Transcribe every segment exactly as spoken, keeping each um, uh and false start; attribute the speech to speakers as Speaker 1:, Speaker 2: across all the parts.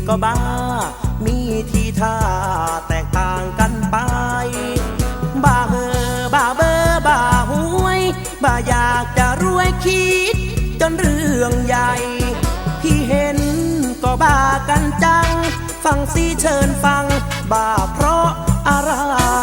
Speaker 1: ก็บ้ามีทีท่าแตกต่างกันไปบ้าเฮอบ้าเบอบ้าหวยบ้าอยากจะรวยคิดจนเรื่องใหญ่ที่เห็นก็บ้ากันจังฟังสิเชิญฟังบ้าเพราะอะไร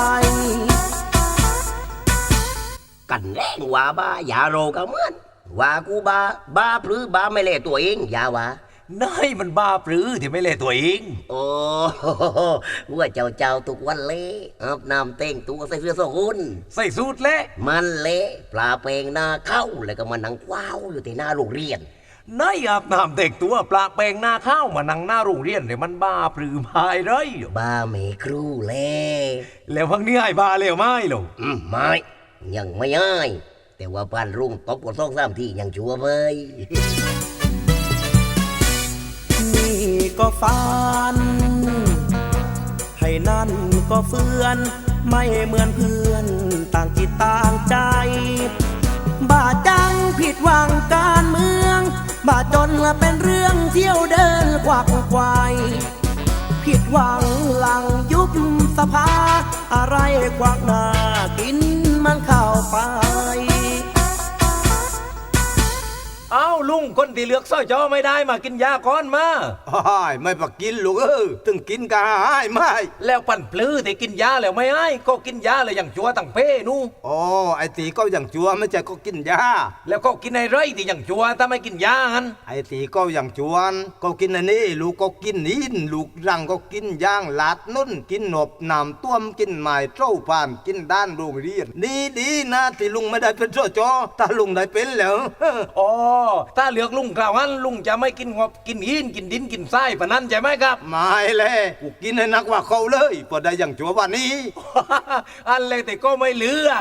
Speaker 2: กันแรงว่าบ้าอย่าโรก็เหมือนว่ากูบ้าบ้าหรือบ้าไม่เล่ตัวเองอย่าว่า
Speaker 3: น้อยมันบ้าปรือที่ไม่เล่ตัวเอง
Speaker 2: โอ้ว่าเจ้าเจ้าทุกวันเละอาบน้ำเต่งตัวใส่เสื้อสกุล
Speaker 3: ใส่สูทเละ
Speaker 2: มันเละปลาเปงหน้าเข้าแล้วก็มานั่งว้าวอยู่ที่หน้าโรงเรียน
Speaker 3: น้อยอาบน้ำเด็กตัวปลาแปลงหน้าข้าวมานั่งหน้าโรงเรียนเนี่ยมันบ้าปรือพายไร
Speaker 2: บ้าไม่ครูเล่
Speaker 3: แล้วพังนี้ไอ้บ้าแล้วไม่หรอ
Speaker 2: อืมไม่ยังไม่ไอ้แต่ว่าปานรุ่งตบกดสองสามทียังชัวร์เลย
Speaker 1: นี่ก็ฝันให้นั่นก็เฟื่อนไม่เหมือนเพื่อนต่างจิตต่างใจบ้าจังผิดหวังการเมืองบ้าจนเป็นเรื่องเที่ยวเดินควักควายผิดหวังหลังยุบสภาอะไรควักหน้ากินมันเข้าไป
Speaker 3: อ้าวลุงคนที่เลือกสร้อยจอไม่ได้มากินยาก้อนมา
Speaker 4: อ้ายไม่ปักกินลูกเออถึงกินกาหายไม่
Speaker 3: แล้วปั่นปลื้อที่กินยาแล้วไม่ให้ก็กินยาเลยอย่างจัวตั้งเป้นู่
Speaker 4: อ๋อไอตีก็อย่างจัวไม่ใช่ก็กินยา
Speaker 3: แล้วก็กินไอ้ไรที่อย่างจัวถ้าไม่กินยาฮัน
Speaker 4: ไอตีก็อย่างจวนก็กินอันนี้ลูกก็กินนินลูกรังก็กินย่างลาดนุ่นกินหนบหนามต้วมกินหมายเจ้าผ่านกินด้านโรงเรียนนี่ดีนะที่ลุงไม่ได้เป็นสจถ้าลุงได้เป็นแล้ว
Speaker 3: อ๋อถ้าเลือกลุงกล่าวงั้นลุงจะไม่กินงบกินหินกินดินกินทรายปะนั้นใช่ไหมครับ
Speaker 4: ไม่เลยกูกินให้นักว่าเขาเลยพอได้อย่างจัววันนี้
Speaker 3: อันเลยแต่ก็ไม่เลือก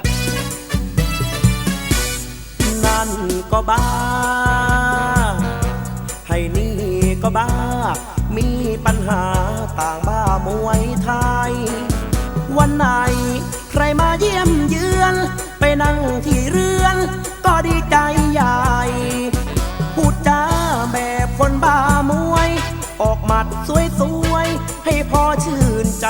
Speaker 1: นั่นก็บ้าให้นี่ก็บ้ามีปัญหาต่างบ้ามวยไทยวันไหนใครมาเยี่ยมเยือนไปนั่งที่เรือนก็ดีใจใหญ่พูดจาแบบคนบ้ามวยออกหมัดสวยๆให้พอชื่นใจ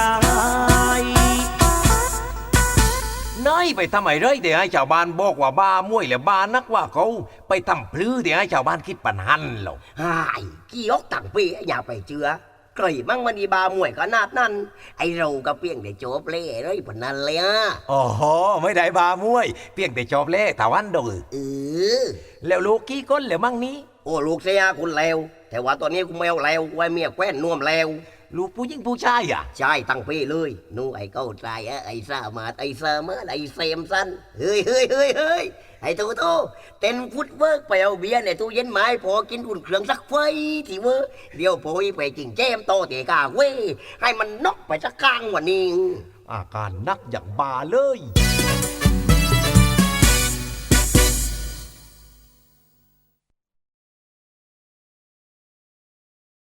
Speaker 3: น้อยไปทำไมเลยเดี๋ยวให้ชาวบ้านบอกว่าบ้ามวยแล้วบ้านักว่าเขาไปทำพลื้อเดี๋ยวให้ชาวบ้านคิดปัญหันหรอก
Speaker 2: ไอ้กี่ยกตั้งปีอย่าไปเชื่อไกลมั่งมันอีบามวยขนาดนั้นไอเราก็เพียงแต่จบเล่เลยปนนั้นเลยอ่ะ
Speaker 3: อ๋อไม่ได้บามวยเพียงแต่จบเล่ถาวันดู
Speaker 2: เออ
Speaker 3: แล้วลูกกี่คนแล้วมั่งนี้
Speaker 2: โอ้ลูกเสียคุณแล้วแต่ว่าตอนนี้คุณแมวแล้วไว้เมียแคว้นน่วมแล้ว
Speaker 3: ลูกผู้หญิงผู้ชายอ่ะ
Speaker 2: ใช่ตั้งปีเลยนู่ไอ้เก้าใจอ่ะไอ้ซามาไอ้ซามาไอ้เซมสันเฮ้ยเฮ้ยเฮ้ยเฮ้ยไอ้ตัวโตเต้นฟุตเวิร์กไปเอาเบียร์ในตู้เย็นไม้พอกินอุ่นเครื่องสักไฟที่เวอร์เดี๋ยวพอยไปจริงแจมโตเตะกาเว้ให้มันนกไปสักกลางวันนี้
Speaker 3: อาการนักอย่างบาเลย